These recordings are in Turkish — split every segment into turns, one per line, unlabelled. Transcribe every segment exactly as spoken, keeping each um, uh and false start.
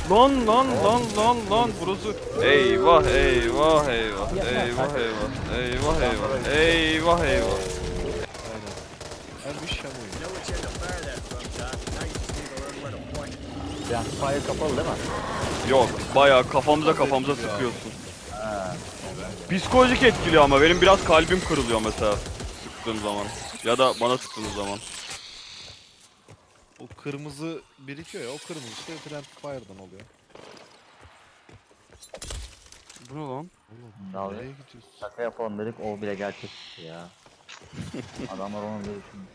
Lan lan lan lan lan burası. Eyvah eyvah eyvah. Eyvah eyvah. Eyvah eyvah. Eyvah eyvah.
Aynen. Hem iş hem oyun.
Yani fire kapalı değil mi?
Yok bayağı kafamıza kafamıza sıkıyorsun. Psikolojik etkiliyor ama benim biraz kalbim kırılıyor mesela sıktığım zaman. Ya da bana sıktığınız zaman.
O kırmızı birikiyor ya, o kırmızı işte Friend Fire'dan oluyor.
Bu ne lan?
Oğlum
Abi,
nereye gidiyorsun?
şaka yapalım dedik, o bile gerçek ya. Adamlar onu bile düşünmüş.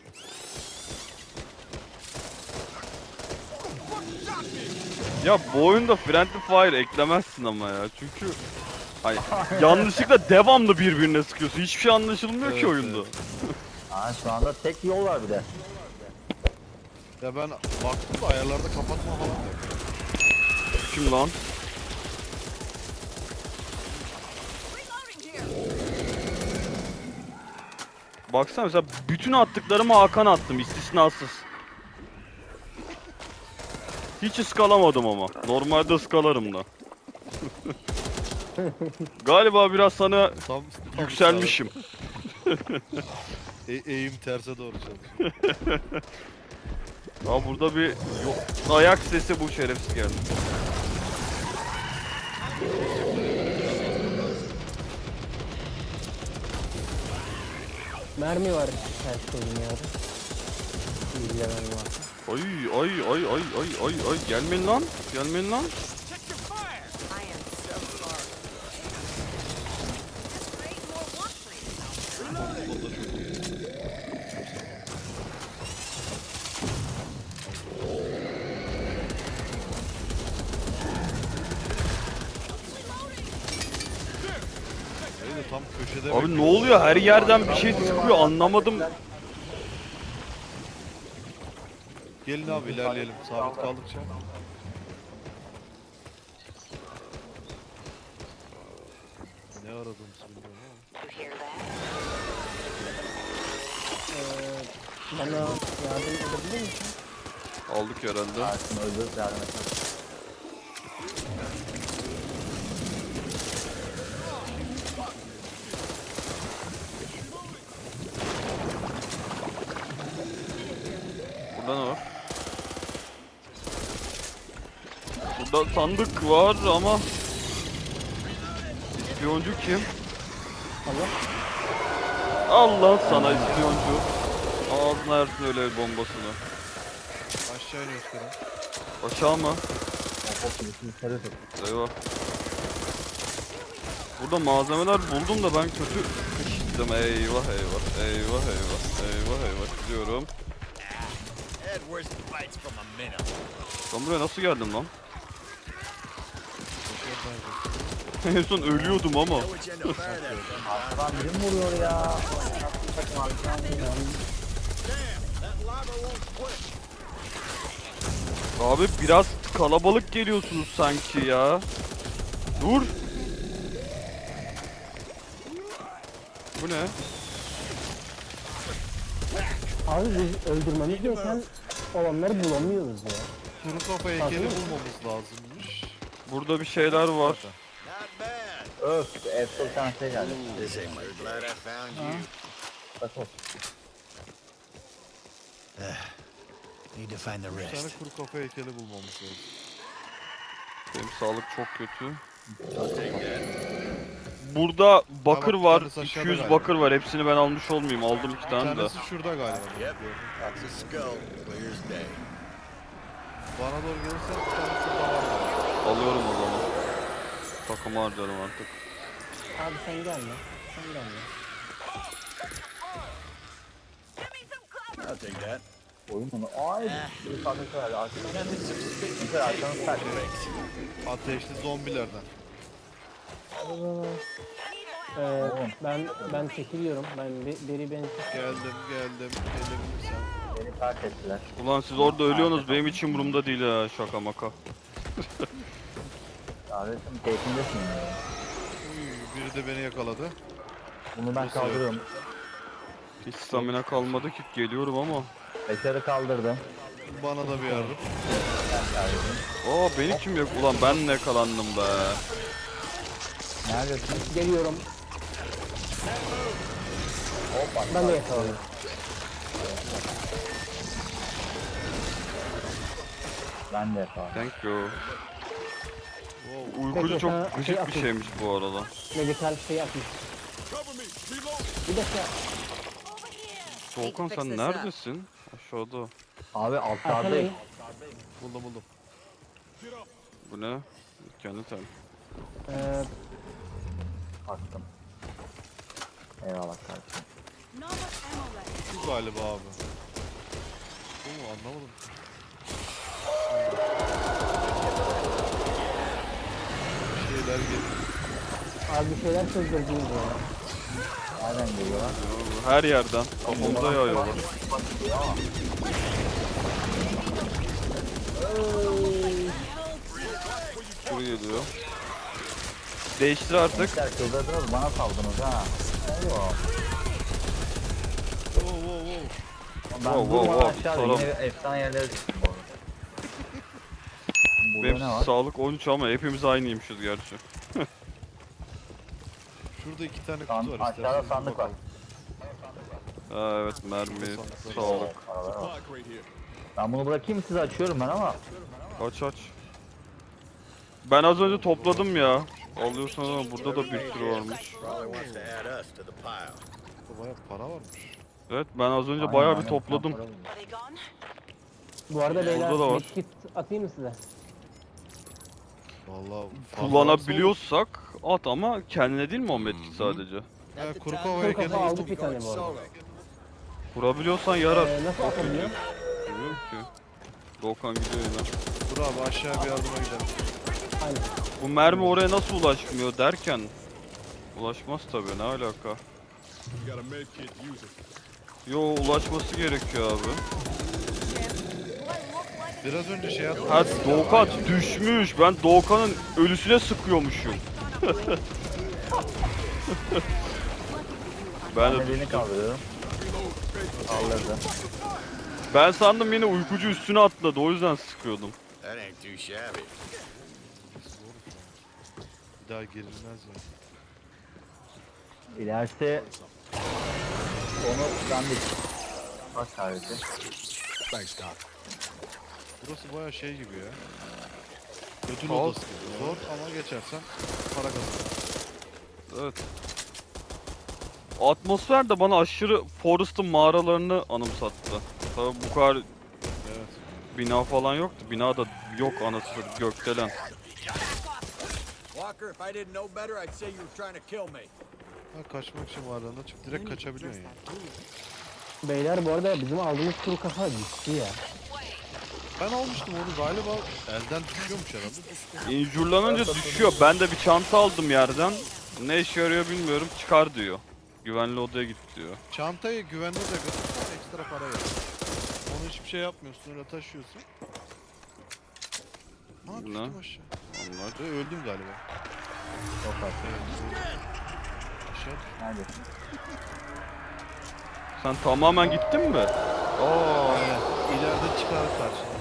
Ya bu oyunda Friendly Fire eklemezsin ama ya çünkü ay, yanlışlıkla devamlı birbirine sıkıyorsun. Hiçbir şey anlaşılmıyor
Evet,
ki oyunda.
evet.
Aa, şu anda tek yol var bir de.
Ya ben baktım da ayarlarda kapatma falan da yok.
Kim lan? Baksana mesela bütün attıklarımı Hakan attım istisnasız. Hiç ıskalamadım ama. Normalde ıskalarım da. Galiba biraz sana
Tam, tam
yükselmişim.
E eğim terse doğru çalışıyor.
Ya burada bir yo- ayak sesi bu şerefsiz geldi.
Mermi var her şeyin ya. İlgilenem var.
Ay ay ay ay ay ay ay gelmeyin lan. Gelmeyin lan.
Öyle tam köşede
Abi ne
bekliyor.
oluyor? Her yerden bir şey sıkıyor. Anlamadım.
Gelin abi ilerleyelim sabit kaldıkça. Ne aradığımızı bilmiyorum ama.
Ee, bana yardım edebilir misin?
Aldık herhalde.
Aslında öldürüp yardım etmek.
Burada ne var? Burada sandık var ama İspiyoncu kim?
Allah.
Allah sana ispiyoncu. Ağzına yersin öyle el bombasını.
Aşağı iniyoruz kadar.
Aşağı mı?
O pop gibi yukarı tut.
Eyvah. Burada malzemeler buldum da ben kötü sıkıştım. Eyvah eyvah. Eyvah eyvah. Eyvah eyvah. Gidiyorum. Ben buraya nasıl geldim lan? En son ölüyordum ama.
Arkadan biri mi vuruyor ya? Bakın arkadan biri.
Abi biraz kalabalık geliyorsunuz sanki ya. Dur. Bu ne?
Abi biz öldürmemiz gereken olanları bulamıyoruz ya.
Kuru kafa heykeli bulmamız lazımmış.
Burada bir şeyler var.
Öf, F seksen şey geldi. Bak o.
Need to find the
Bir tane
rest.
kuru kafa heykeli bulmamız lazım.
Benim sağlık çok kötü. Burada bakır
Tamam,
var.
bir tanesi
iki
aşağıda
yüz
galiba.
bakır var. Hepsini ben almış olmayayım. Aldım iki
Bir
tane de.
tanesi şurada galiba.
Yep, that's a skull. Clear as day.
Bana doğru gelirse bir tane şurada var.
Alıyorum o zaman. Takımı harcarım artık.
Abi sen gelme. Sen gelme.
I'll take that.
Oyun onu. Ay, bir farklı verdi. Arkadan yukarı arkanı sert.
Ateşli zombilerden.
Ee, ben ben çekiliyorum. Ben bir, biri beni
Geldim geldim. Gelebilirsen.
Beni terk ettiler.
Ulan siz orada ölüyorsunuz. Benim için umurumda değil ha. Şaka maka.
Kardeşim keyfindesin ya.
Uy, biri de beni yakaladı.
Bunu ben kaldırıyorum.
Hiç stamina kalmadı ki. Geliyorum ama.
Bekarı kaldırdım.
Bana da bir yardım.
Oo beni kim yok? Ulan ben ne yakalandım be.
Neredesin?
Geliyorum.
Hoppa.
Ben de yakaladım.
Ben de yakaladım.
Thank you.
Wow.
Uykucu
Peki,
çok
sana şey
gıcık bir
atayım.
şeymiş bu arada.
Medical şey atmış. Bir dakika.
Volkan sen neredesin? Aşağıda.
Abi altlardayım.
Arkalayın.
Buldum buldum.
Bu ne? Kendi ten.
Ee,
Baktım. Eyvallah kardeşim.
Bu galiba abi. Oo anlamadım. Bir şeyler geliyor.
abi bir şeyler sözdürdünüz ya.
Nereden geliyorlar?
Her yerden kafamıza yağıyorlar. Şuraya geliyor. Değiştir artık.
Gençler kıldırdınız bana saldınız ha. Oo.
Wow wow wow.
Ben
Wow, wow,
durmadan
wow,
aşağıda
salam.
yine efsane yerlere düştüm bu arada. Burada
Benim
ne var?
sağlık on üç ama hepimiz aynıymışız gerçi.
Şurada iki tane
San-
kutu var.
aşağıda
isterseniz bir
sandık var.
bakalım.
Ha, evet mermi, sağlık.
Paralar var. Ben bunu bırakayım size açıyorum ben ama.
Aç aç. Ben az önce topladım ya. Alıyorsan ama burada da bir sürü varmış.
Probably wants to add us to the pile.
Burada bayağı para varmış.
Evet ben az önce
Aynen,
bayağı bir
aynen,
topladım.
para buldum.
Bu arada beyler
Burada da var.
medkit atayım mı size?
Vallahi fazla
Kullanabiliyorsak at ama kendine değil mi o medkit sadece?
varsa olur. Ya kuru
Kuru
kovaya
kafa
kendine
aldık bir tane bu arada.
Kurabiliyorsan yarar.
Ee, nasıl atabiliyor?
Bilmiyorum ki. Doğukan gidiyor yine.
Dur abi aşağı bir yardıma gidelim.
Aynen.
Bu mermi oraya nasıl ulaşmıyor derken ulaşmaz tabii ne alaka? Yo ulaşması gerekiyor abi.
Biraz önce şey attım.
Ha Doğukan düşmüş. Ben Doğukan'ın ölüsüne sıkıyormuşum. ben
Ben
de
de birini
düştüm.
kaldırıyorum. Kaldırdı.
Ben sandım yine uykucu üstüne atladı o yüzden sıkıyordum.
That ain't too shabby.
Bir daha girilmez ya.
İlerisi onu ben de bak sadece.
Thanks, Doc.
Burası bayağı şey gibi ya. Ödül
Kaos
odası gibi. Zor ama geçersen para kazanırsın.
Evet. Atmosfer de bana aşırı Forest'ın mağaralarını anımsattı. Tabii bu kadar
Evet.
bina falan yoktu. Bina da yok anasını gökdelen.
Walker, if I didn't know better, I'd say you were trying to kill me.
Ha, kaçmak için varlığında çık direkt kaçabiliyorsun ya.
Beyler bu arada bizim aldığımız kuru kafa gitti ya.
Ben almıştım onu galiba elden düşüyormuş herhalde.
İnjurlanınca düşüyor. Ben de bir çanta aldım yerden. Ne işe yarıyor bilmiyorum. Çıkar diyor. Güvenli odaya git diyor.
Çantayı güvenli de götürsen ekstra para ver. Onu hiçbir şey yapmıyorsun öyle taşıyorsun. Ha
Ne?
düştüm aşağı.
Onlar.
Ve öldüm galiba.
Çok az.
Aşağı düştüm.
Neredesin?
Sen tamamen gittin mi? Aa,
Aynen. İleride çıkar karşına.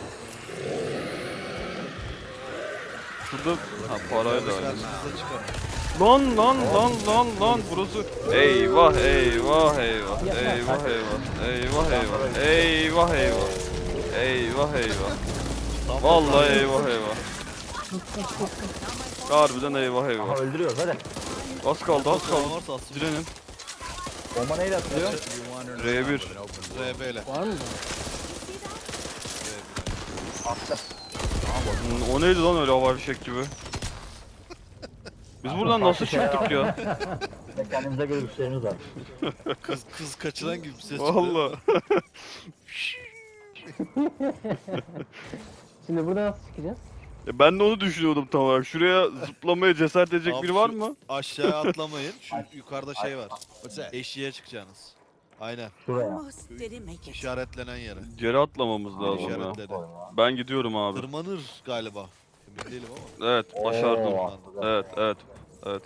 şurada ha parayla.
Karşınıza çıkar.
Lan lan lan lan lan burası. Eyvah eyvah eyvah. Eyvah eyvah. Eyvah eyvah. Eyvah eyvah. Eyvah eyvah. Vallahi eyvah eyvah. Harbiden eyvah
Aha
eyvah.
öldürüyoruz hadi.
Az kaldı az kaldı.
Varsa aslında
Direnin.
Bomba neyle atılıyor?
You're wandering
R
around
bir.
with an open
R B ile.
Var mı?
Attı.
Hmm, o neydi lan öyle havai fişek gibi? Biz buradan nasıl çıktık ya?
Ve kendinize göre güçleriniz var.
Kız kız kaçıran gibi bir ses çıktı.
Vallahi.
Şimdi burada nasıl çıkacağız?
Ya ben de onu düşünüyordum tam olarak. Şuraya zıplamaya cesaret edecek
Abi
biri var
şu-
mı?
Aşağıya atlamayın. Şu yukarıda şey var.
What's that?
Eşiğe çıkacaksınız. Aynen.
Şuraya.
Almost didn't make it.
İşaretlenen yere.
Geri atlamamız lazım ya.
İşaretledi.
Ben gidiyorum abi.
Tırmanır galiba. Emin değilim ama.
Evet başardım.
Oo,
Evet evet. Evet.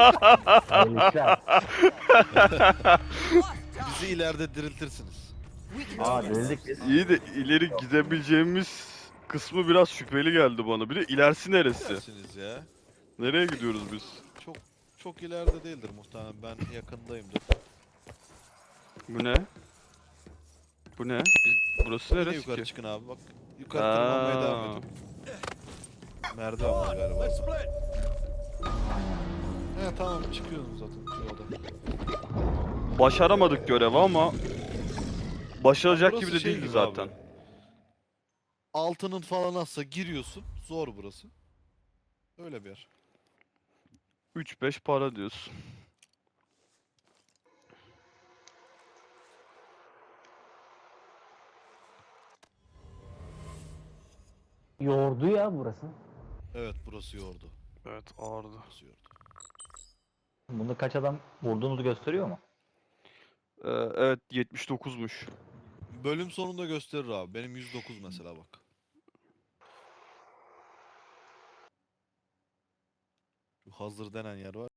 Hayırlı işler.
Bizi ileride diriltirsiniz.
Aa deldik biz.
İyi de ileri gidebileceğimiz kısmı biraz şüpheli geldi bana. Bir de ilerisi neresi?
Dersiniz ya.
Nereye gidiyoruz biz?
Çok çok ileride değildir muhtemelen. Ben yakındayımdır.
Bu ne? Bu ne? Biz, burası
Yine
neresi
yukarı
ki?
çıkın abi bak. Yukarı tırmanmaya devam
Aa,
edin. Merdiven var galiba.
Let's split.
He tamam çıkıyorsunuz zaten şurada.
başaramadık görevi ama başaracak
Burası
gibi de
şey
değildi
gibi
zaten.
abi. Altının falan azsa giriyorsun. Zor burası. Öyle bir yer.
üç beş para diyorsun.
Yordu ya burası.
Evet burası yordu.
Evet ağırdı.
Burası yordu.
Bunda kaç adam vurduğumuzu gösteriyor mu?
Ee, evet yetmiş dokuzmuş.
Bölüm sonunda gösterir abi. Benim yüz dokuz mesela bak. Şu hazır denen yer var.